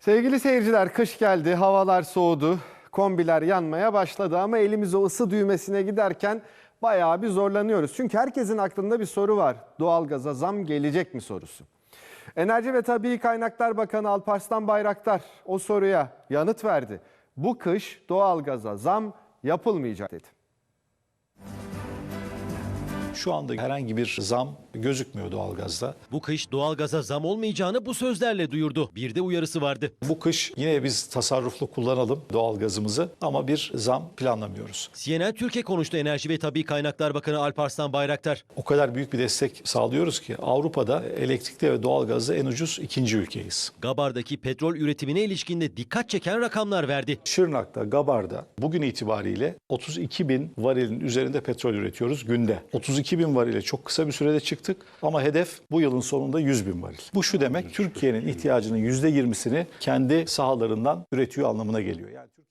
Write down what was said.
Sevgili seyirciler, kış geldi, havalar soğudu, kombiler yanmaya başladı ama elimiz o ısı düğmesine giderken bayağı bir zorlanıyoruz. Çünkü herkesin aklında bir soru var. Doğalgaza zam gelecek mi sorusu. Enerji ve Tabii Kaynaklar Bakanı Alparslan Bayraktar o soruya yanıt verdi. Bu kış doğalgaza zam yapılmayacak dedi. Şu anda herhangi bir zam gözükmüyor doğalgazda. Bu kış doğalgaza zam olmayacağını bu sözlerle duyurdu. Bir de uyarısı vardı. Bu kış yine biz tasarruflu kullanalım doğalgazımızı ama bir zam planlamıyoruz. CNN Türkiye konuştu Enerji ve Tabii Kaynaklar Bakanı Alparslan Bayraktar. O kadar büyük bir destek sağlıyoruz ki Avrupa'da elektrikte ve doğalgazda en ucuz ikinci ülkeyiz. Gabar'daki petrol üretimine ilişkinde dikkat çeken rakamlar verdi. Şırnak'ta, Gabar'da bugün itibariyle 32 bin varilin üzerinde petrol üretiyoruz günde. 32 bin varile çok kısa bir sürede çıktık ama hedef bu yılın sonunda 100 bin varil. Bu şu demek, Türkiye'nin ihtiyacının %20'sini kendi sahalarından üretiyor anlamına geliyor. Yani